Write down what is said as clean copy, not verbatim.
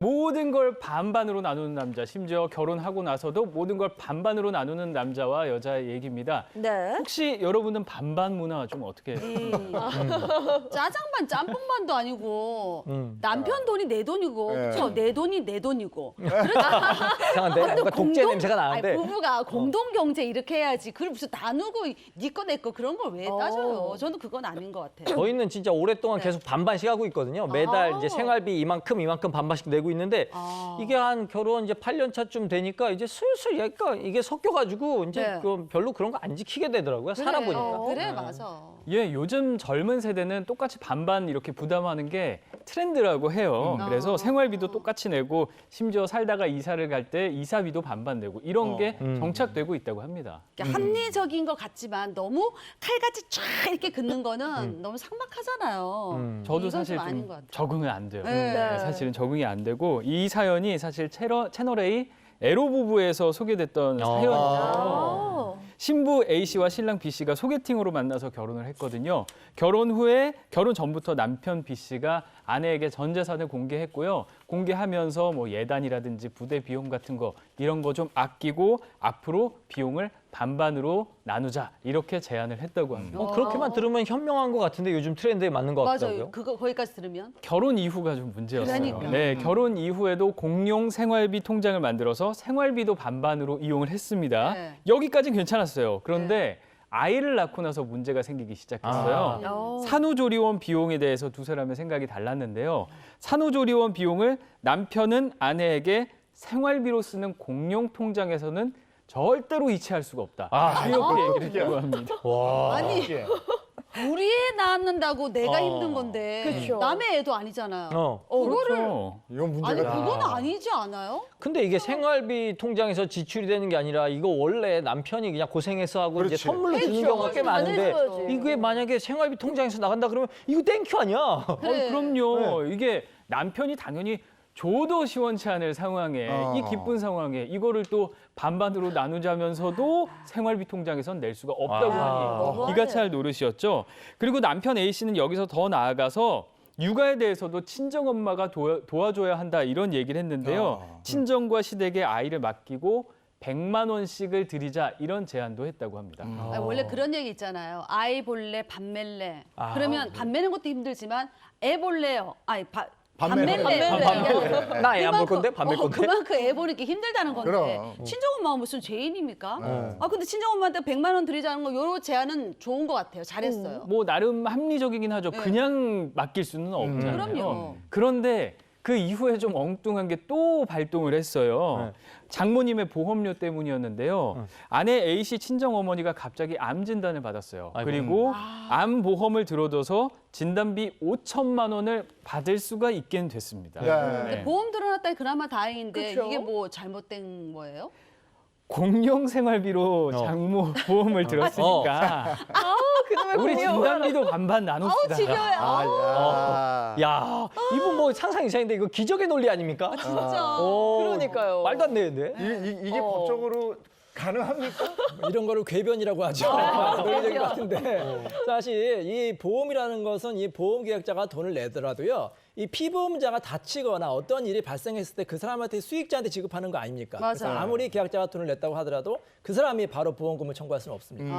모든 걸 반반으로 나누는 남자, 심지어 결혼하고 나서도 모든 걸 반반으로 나누는 남자와 여자의 얘기입니다. 네. 혹시 여러분은 반반 문화 좀 어떻게 짜장반 짬뽕반도 아니고 남편 돈이 내 돈이고 네. 그렇죠? 내 돈이 내 돈이고 이상한데 뭔가 독재 냄새가 나는데. 아니, 부부가 공동 경제 이렇게 해야지. 그걸 무슨 나누고 네 거 내 거 그런 걸 왜 따져요? 저는 그건 아닌 것 같아요. 저희는 진짜 오랫동안 계속 반반씩 하고 있거든요. 매달 이제 생활비 이만큼 반반씩 내고 있는데 이게 한 결혼 이제 8년 차쯤 되니까 이제 슬슬 약간 이게 섞여가지고 이제 네. 별로 그런 거 안 지키게 되더라고요. 살아보니까. 그래 맞아. 예, 요즘 젊은 세대는 똑같이 반반 이렇게 부담하는 게 트렌드라고 해요. 그래서 생활비도 똑같이 내고 심지어 살다가 이사를 갈 때 이사비도 반반 내고 이런 게 정착되고 있다고 합니다. 그러니까 합리적인 것 같지만 너무 칼같이 쫙 이렇게 긋는 거는 너무 삭막하잖아요. 저도 이건 사실 좀 아닌 좀 것 같아요. 적응은 안 돼요. 네. 사실은 적응이 안 되고 이 사연이 사실 채널 A 에로 부부에서 소개됐던 사연이에요. 신부 A 씨와 신랑 B 씨가 소개팅으로 만나서 결혼을 했거든요. 결혼 전부터 남편 B 씨가 아내에게 전 재산을 공개했고요. 공개하면서 뭐 예단이라든지 부대 비용 같은 거 이런 거 좀 아끼고 앞으로 비용을 반반으로 나누자 이렇게 제안을 했다고 합니다. 그렇게만 들으면 현명한 것 같은데 요즘 트렌드에 맞는 것 같더라고요. 맞아요. 그거 거기까지 들으면 결혼 이후가 좀 문제였어요. 그러니까. 네, 결혼 이후에도 공용 생활비 통장을 만들어서 생활비도 반반으로 이용을 했습니다. 네. 여기까지는 괜찮았어요. 그런데 아이를 낳고 나서 문제가 생기기 시작했어요. 산후조리원 비용에 대해서 두 사람의 생각이 달랐는데요. 산후조리원 비용을 남편은 아내에게 생활비로 쓰는 공용 통장에서는 절대로 이체할 수가 없다. 이렇게 얘기를 했다고 합니다. 아니 우리 애 낳는다고 내가 힘든 건데 그쵸. 남의 애도 아니잖아요. 그거를 이건 문제가 아니 있다. 그건 아니지 않아요? 근데 이게 생활비 통장에서 지출이 되는 게 아니라 이거 원래 남편이 그냥 고생해서 하고 이제 그렇지. 선물로 주는 그렇죠. 경우가 꽤 많은데 해줘야지. 이게 만약에 생활비 통장에서 나간다 그러면 이거 땡큐 아니야? 그래. 그럼요. 이게 남편이 당연히 줘도 시원치 않을 상황에 이 기쁜 상황에 이거를 또 반반으로 나누자면서도 생활비 통장에선 낼 수가 없다고 하니 기가 찰 노릇이었죠. 그리고 남편 A 씨는 여기서 더 나아가서 육아에 대해서도 친정엄마가 도와줘야 한다 이런 얘기를 했는데요. 친정과 시댁에 아이를 맡기고 100만 원씩을 드리자 이런 제안도 했다고 합니다. 아니, 원래 그런 얘기 있잖아요. 아이 볼래 밥 멜래. 그러면 밥 매는 것도 힘들지만 애 볼래요. 아니 밥 멜래. 나 애 안 볼 건데 밥 멜 건데. 그만큼 애 보는 게 힘들다는 건데 그럼. 친정엄마가 무슨 죄인입니까? 근데 친정엄마한테 100만 원 드리자는 거 요런 제안은 좋은 것 같아요. 잘했어요. 뭐 나름 합리적이긴 하죠. 그냥 맡길 수는 없잖아요. 그럼요. 그런데 그 이후에 좀 엉뚱한 게 또 발동을 했어요. 장모님의 보험료 때문이었는데요. 아내 A 씨 친정어머니가 갑자기 암 진단을 받았어요. 그리고 암 보험을 들어둬서 진단비 5천만 원을 받을 수가 있게 됐습니다. 네. 보험 들어놨다니 그나마 다행인데 그쵸? 이게 뭐 잘못된 거예요? 공용 생활비로 장모 보험을 들었으니까 우리 진단비도 반반 나눕시다. 야, 이분 뭐 상상 이상인데 이거 기적의 논리 아닙니까? 진짜. 그러니까요. 말도 안 되는데. 이게 법적으로 가능합니까? 이런 거를 궤변이라고 하죠. 논리적인 것 같은데 사실 이 보험이라는 것은 이 보험 계약자가 돈을 내더라도요. 이 피보험자가 다치거나 어떤 일이 발생했을 때 그 사람한테 수익자한테 지급하는 거 아닙니까? 맞아요. 그래서 아무리 계약자가 돈을 냈다고 하더라도 그 사람이 바로 보험금을 청구할 수는 없습니다.